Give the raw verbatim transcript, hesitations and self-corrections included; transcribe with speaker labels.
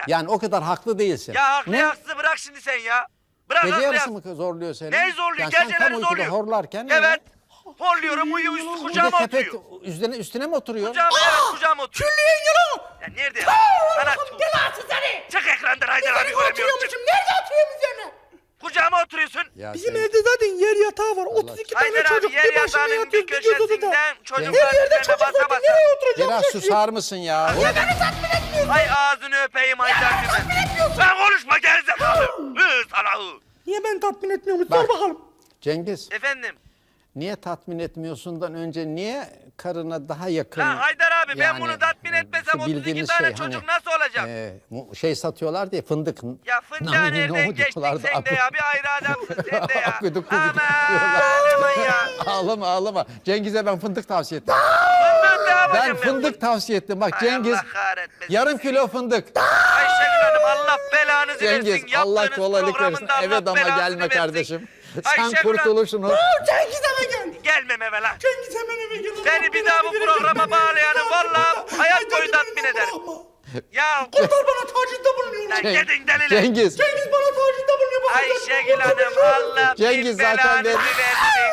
Speaker 1: Yani o kadar haklı değilsin.
Speaker 2: Ya haklı
Speaker 1: Ne?
Speaker 2: haksızı bırak şimdi sen ya. Bırak
Speaker 1: Gece
Speaker 2: haklı
Speaker 1: yarısı
Speaker 2: haksızı.
Speaker 1: mı zorluyor seni?
Speaker 2: Neyi zorluyor?
Speaker 1: Yani sen
Speaker 2: Geceleri
Speaker 1: tam uykuda
Speaker 2: zorluyor.
Speaker 1: horlarken.
Speaker 2: Evet. Horluyorum uyuyor üstü
Speaker 1: Bir de
Speaker 2: kucağıma
Speaker 1: sepet
Speaker 2: oturuyor.
Speaker 1: üstüne, üstüne mi oturuyor?
Speaker 2: Kucağıma evet kucağıma oturuyor.
Speaker 3: Külliyen yalan.
Speaker 2: Ya nerede ya?
Speaker 3: Allah'ım
Speaker 2: Sana tu-
Speaker 3: belası seni.
Speaker 2: çık ekrandan Haydar abi
Speaker 3: Üzerine
Speaker 2: göremiyorum. Çık.
Speaker 3: oturuyormuşum. Nerede oturuyorum üzerine?
Speaker 2: Kucağıma oturuyorsun.
Speaker 1: Ya
Speaker 3: Bizim
Speaker 1: sen-
Speaker 3: evde zaten yer yatağı var. otuz iki tane
Speaker 2: Haydar
Speaker 3: çocuk
Speaker 2: abi yer
Speaker 3: bir başına
Speaker 2: yatağının bir
Speaker 3: yatıyoruz. Bir göz odada.
Speaker 2: köşesinden
Speaker 3: Her
Speaker 2: çocuklar
Speaker 3: yerde
Speaker 2: üzerine
Speaker 3: çocuk
Speaker 2: basa
Speaker 3: var.
Speaker 2: basa.
Speaker 3: Nereye oturacağım?
Speaker 1: Biraz susar mısın ya?
Speaker 2: Ay ağzını öpeyim Haydar abi. Sen konuşma gerizekalı. Hı sana hı.
Speaker 3: Niye ben tatmin etmiyorum?
Speaker 1: Bak.
Speaker 3: Sor bakalım.
Speaker 1: Cengiz,
Speaker 2: Efendim.
Speaker 1: niye tatmin etmiyorsundan önce niye karına daha yakın?
Speaker 2: Lan Haydar abi ben
Speaker 1: Yani,
Speaker 2: bunu tatmin
Speaker 1: e,
Speaker 2: etmesem
Speaker 1: şu
Speaker 2: otuz iki
Speaker 1: bildiğiniz
Speaker 2: tane
Speaker 1: şey,
Speaker 2: çocuk
Speaker 1: hani,
Speaker 2: nasıl olacak?
Speaker 1: e, mu- şey satıyorlar diye fındık.
Speaker 2: Ya fındığa
Speaker 1: Nane,
Speaker 2: nereden
Speaker 1: nohut
Speaker 2: geçtin
Speaker 1: diyorlardı.
Speaker 2: sen de ya? Bir ayrı adamsın sen de ya.
Speaker 1: Akıdık kubidik
Speaker 2: Aman aman ya.
Speaker 1: Ağlama ağlama. Cengiz'e ben fındık tavsiye ettim.
Speaker 2: Fındık ne yapacağım
Speaker 1: Ben fındık tavsiye ettim. Bak
Speaker 2: Hay
Speaker 1: Cengiz
Speaker 2: Allah kahretmesin
Speaker 1: yarım
Speaker 2: seni.
Speaker 1: kilo fındık.
Speaker 2: Ayşegül Hanım Allah belanızı
Speaker 1: Cengiz
Speaker 2: versin.
Speaker 1: Allah
Speaker 2: Yaptığınız
Speaker 1: kolaylık versin.
Speaker 2: programında Allah
Speaker 1: Eve dama
Speaker 2: belanızı
Speaker 1: gelme
Speaker 2: versin.
Speaker 1: kardeşim.
Speaker 2: Ayşegül
Speaker 1: Sen kurtuluşunu.
Speaker 3: Cengiz eve gel.
Speaker 2: Gelmem eve lan.
Speaker 3: Cengiz hemen eve gel.
Speaker 2: Seni bir daha bu programa bağlayanı vallahi hayat boyu tatmin ederim. Ya
Speaker 3: Kurtar bana tacizde bulunuyor.
Speaker 2: lan
Speaker 1: Ceng-
Speaker 2: gidin delile.
Speaker 1: Cengiz.
Speaker 3: Cengiz bana tacizde bulunuyor. Bak,
Speaker 2: Ayşegül Hanım Allah
Speaker 1: Cengiz
Speaker 2: bin
Speaker 1: zaten
Speaker 2: belanızı
Speaker 1: ben-
Speaker 2: versin.